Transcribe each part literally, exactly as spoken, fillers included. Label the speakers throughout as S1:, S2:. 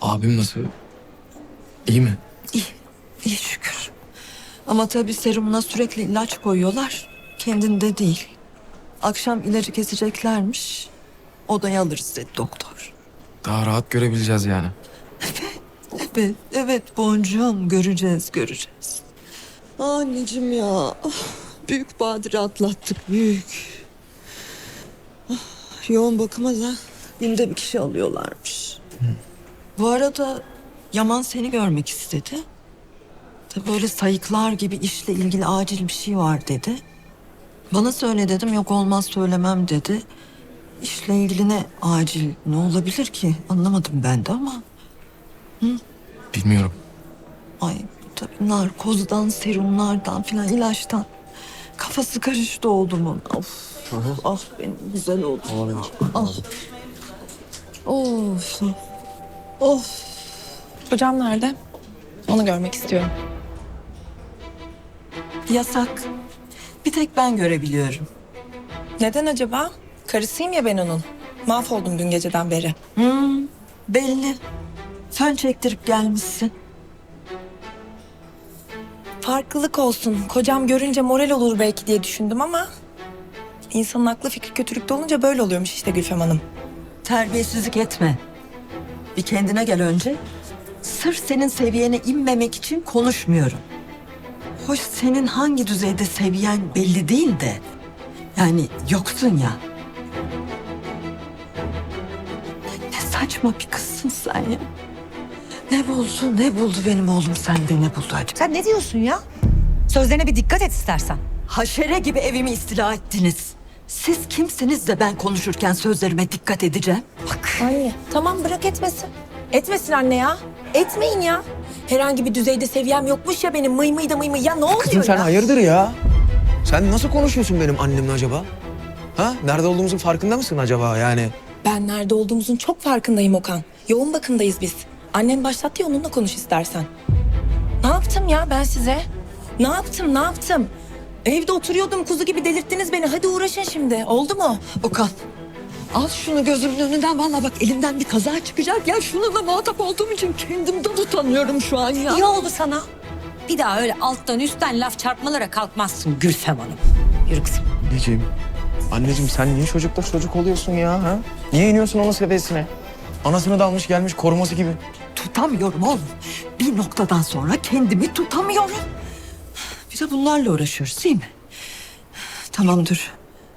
S1: Abim nasıl? İyi mi?
S2: İyi, iyi şükür. Ama tabii serumuna sürekli ilaç koyuyorlar. Kendinde değil. Akşam ilacı keseceklermiş. Odaya alırız dedi doktor.
S1: Daha rahat görebileceğiz yani.
S2: Evet, evet boncuğum. Göreceğiz, göreceğiz. Anneciğim ya. ah, Büyük badire atlattık, büyük. Ah, Yoğun bakıma da günde bir kişi alıyorlarmış. Bu arada Yaman seni görmek istedi. Tabii böyle sayıklar gibi işle ilgili acil bir şey var dedi. Bana söyle dedim, yok olmaz söylemem dedi. İşle ilgili ne acil, ne olabilir ki? Anlamadım ben de ama.
S1: Bilmiyorum.
S2: Ay tabii narkozdan, serumlardan filan, ilaçtan. Kafası karıştı oğlumun. Of. Ah benim güzel oğlum. Ah. Of. Of.
S3: Hocam nerede? Onu görmek istiyorum.
S2: Yasak. Bir tek ben görebiliyorum.
S3: Neden acaba? Karısıyım ya ben onun. Mahvoldum dün geceden beri.
S2: Hmm, belli. Fön çektirip gelmişsin.
S3: Farklılık olsun. Kocam görünce moral olur belki diye düşündüm ama... ...insanın aklı fikri kötülükte olunca böyle oluyormuş işte Gülfem Hanım.
S2: Terbiyesizlik etme. Bir kendine gel önce. Sırf senin seviyene inmemek için konuşmuyorum. Hoş senin hangi düzeyde seviyen belli değil de. Yani yoksun ya. Ne saçma bir kızsın sen ya. Ne buldu, ne buldu benim oğlum sende, ne buldu acaba?
S4: Sen ne diyorsun ya? Sözlerine bir dikkat et istersen.
S2: Haşere gibi evimi istila ettiniz. Siz kimsiniz de ben konuşurken sözlerime dikkat edeceğim? Bak.
S3: Anne tamam bırak etmesin. Etmesin anne ya. Etmeyin ya. Herhangi bir düzeyde seviyem yokmuş ya benim mıy mıy da mıy mıy. Ya ne oluyor
S5: Kızım sen
S3: ya?
S5: hayırdır ya? Sen nasıl konuşuyorsun benim annemle acaba? Ha? Nerede olduğumuzun farkında mısın acaba yani?
S3: Ben nerede olduğumuzun çok farkındayım Okan. Yoğun bakımdayız biz. Annen başlattı ya onunla konuş istersen. Ne yaptım ya ben size? Ne yaptım ne yaptım? Evde oturuyordum kuzu gibi delirttiniz beni. Hadi uğraşın şimdi. Oldu mu?
S2: Okan, al şunu gözümün önünden. Vallahi bak elimden bir kaza çıkacak. Ya şununla muhatap olduğum için kendimden utanıyorum şu an ya.
S4: İyi oldu sana. Bir daha öyle alttan üstten laf çarpmalara kalkmazsın Gülfem Hanım. Yürü kızım.
S5: Anneciğim, anneciğim sen niye çocukla çocuk oluyorsun ya? Ha? Niye iniyorsun onun seviyesine? Anasını da almış gelmiş koruması gibi.
S2: Tutamıyorum oğlum. Bir noktadan sonra kendimi tutamıyorum. Bir de bunlarla uğraşıyoruz değil mi? Tamam dur.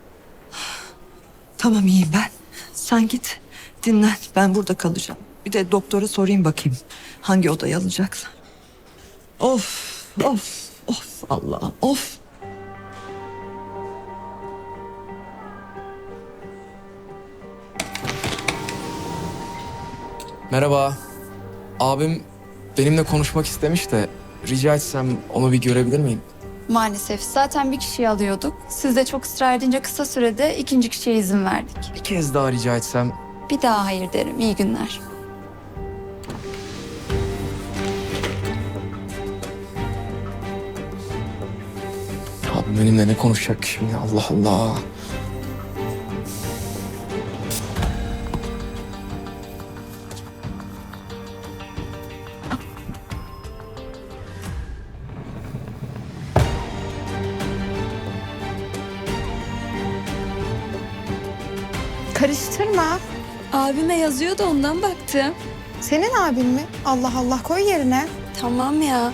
S2: Tamam iyiyim ben. Sen git dinlen. Ben burada kalacağım. Bir de doktora sorayım bakayım. Hangi odayı alacaklar. Of of of Allah of.
S1: Merhaba. Abim benimle konuşmak istemiş de rica etsem onu bir görebilir miyim?
S6: Maalesef. Zaten bir kişiyi alıyorduk. Siz de çok ısrar edince kısa sürede ikinci kişiye izin verdik.
S1: Bir kez daha rica etsem.
S6: Bir daha hayır derim. İyi günler.
S1: Abim benimle ne konuşacak ki şimdi? Allah Allah.
S7: Karıştırma.
S6: Abime yazıyor da ondan baktım.
S7: Senin abin mi? Allah Allah koy yerine.
S6: Tamam ya.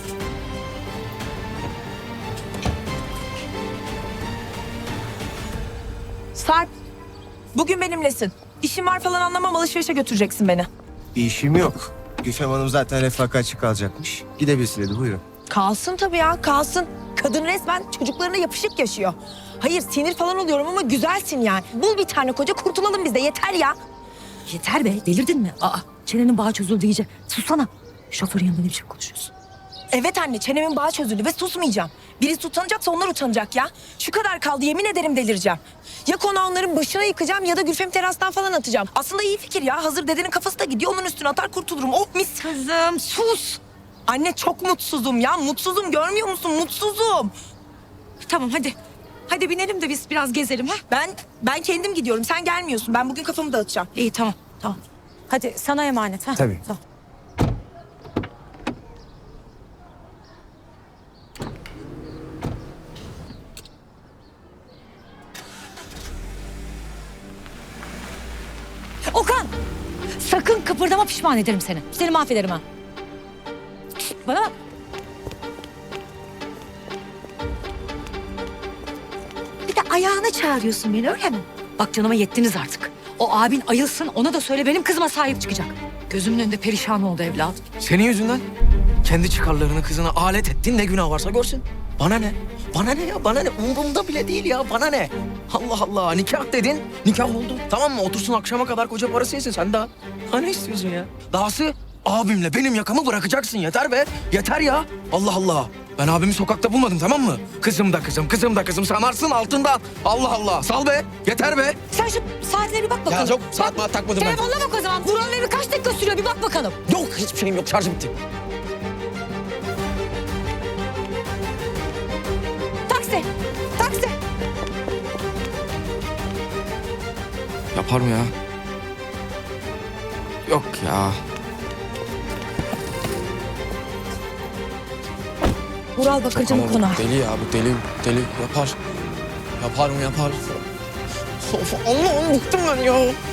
S3: Sarp. Bugün benimlesin. İşim var falan anlamam alışverişe götüreceksin beni.
S8: Bir işim yok. Gülfem Hanım zaten refakatçi kalacakmış. Gidebilsin dedi, buyurun.
S3: Kalsın tabii ya kalsın. Kadın resmen çocuklarına yapışık yaşıyor. Hayır sinir falan oluyorum ama güzelsin yani. Bul bir tane koca kurtulalım biz de yeter ya.
S4: Yeter be delirdin mi? Aa çenenin bağı çözüldü iyice. Sussana. Şoförün yanında ne biçim konuşuyorsun?
S3: Evet anne çenemin bağı çözüldü ve susmayacağım. Birisi utanacaksa onlar utanacak ya. Şu kadar kaldı yemin ederim delireceğim. Ya konağı onların başına yıkacağım ya da Gülfem'i terastan falan atacağım. Aslında iyi fikir ya. Hazır dedenin kafası da gidiyor onun üstüne atar kurtulurum. Oh mis.
S4: Kızım sus.
S3: Anne çok mutsuzum ya. Mutsuzum görmüyor musun? Mutsuzum.
S4: Tamam hadi. Hadi binelim de biz biraz gezelim ha.
S3: Ben ben kendim gidiyorum. Sen gelmiyorsun. Ben bugün kafamı dağıtacağım.
S4: İyi tamam tamam. Hadi sana emanet ha.
S5: Tabii.
S4: Tamam. Kıpırdama pişman ederim seni. Seni mahvederim ha. Şişt, bana bak. Bir de ayağına çağırıyorsun beni öyle mi? Bak canıma yettiniz artık. O abin ayılsın ona da söyle benim kızıma sahip çıkacak. Gözümün önünde perişan oldu evladım.
S5: Senin yüzünden kendi çıkarlarını kızına alet ettin, ne günah varsa görsün. Bana ne? Bana ne ya? Bana ne? Umurumda bile değil ya. Bana ne? Allah Allah. Nikah dedin. Nikah oldu. Tamam mı? Otursun akşama kadar koca parası yesin. Sen daha. Ha ne istiyorsun ya? Dahası abimle benim yakamı bırakacaksın. Yeter be. Yeter ya. Allah Allah. Ben abimi sokakta bulmadım, tamam mı? Kızım da kızım, kızım da kızım. Sanarsın altından. Allah Allah. Sal be. Yeter be.
S4: Sen şu saatine bir bak bakalım.
S5: Ya çok saat maat takmadım ben.
S4: Telefonuna bak o zaman. Buranın evi kaç dakika sürüyor bir bak bakalım.
S5: Yok, hiçbir şeyim yok. Şarjı bitti.
S4: Taksi. Taksi.
S1: Yapar mı ya? Yok ya.
S4: Vural Bakırcı'nın
S1: Ama
S4: konağı.
S1: bu deli ya, bu deli, deli yapar. Yapar mı yapar? Of, Allah'ım bıktım ben ya.